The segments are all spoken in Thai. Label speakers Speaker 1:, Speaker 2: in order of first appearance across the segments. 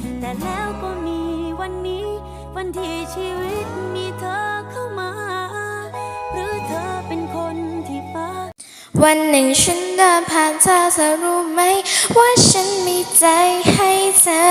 Speaker 1: แต่แล้วก็มีวันนี้วันที่ชีวิตมีเธอเข้ามาหรือเธอเป็นคนที่ฟ้า
Speaker 2: วันหนึ่งฉันเดินผ่านเธอรู้ไหมว่าฉันมีใจให้เธอ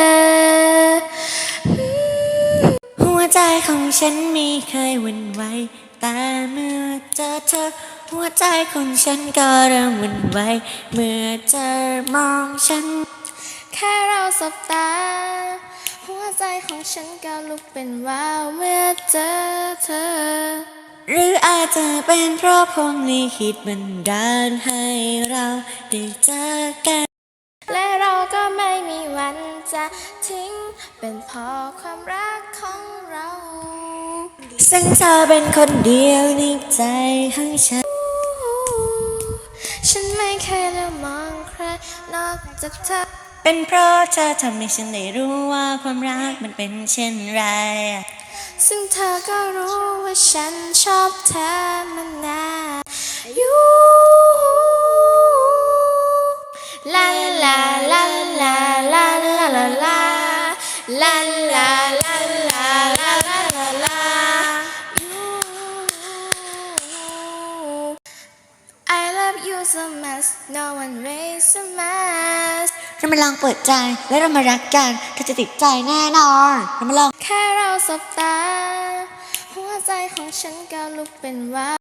Speaker 2: หัวใจของฉันไม่เคยหวั่นไหวแต่เมื่อเจอเธอหัวใจของฉันก็เริ่มหวั่นไหวเมื่อเธอมองฉันแค่เราสบตาหัวใจของฉันก็ลุกเป็นว้าวเมื่อเจอเธอหรืออาจจะเป็นเพราะพรหมลิขิตบันดาลให้เราได้เจอกันและเราก็ไม่มีวันจะทิ้งเป็นเพราะความรักของเราซึ่งเธอเป็นคนเดียวในใจของฉันฉันไม่เคยเลือกมองใครนอกจากเธอเป็นเพราะเธอทำให้ฉันได้รู้ว่าความรักมันเป็นเช่นไรซึ่งเธอก็รู้ว่าฉันชอบเธอมานานอยู่ลาลาลาลาลาลาลาลาลาลาลาลาลาลาลาลา I love you so much no one raise so much เรามาลองเปิดใจและเรามารักกันเธอจะติดใจแน่นอนเรามาลองแค่เราสบตาหัวใจของฉันก็ลุกเป็นว้าว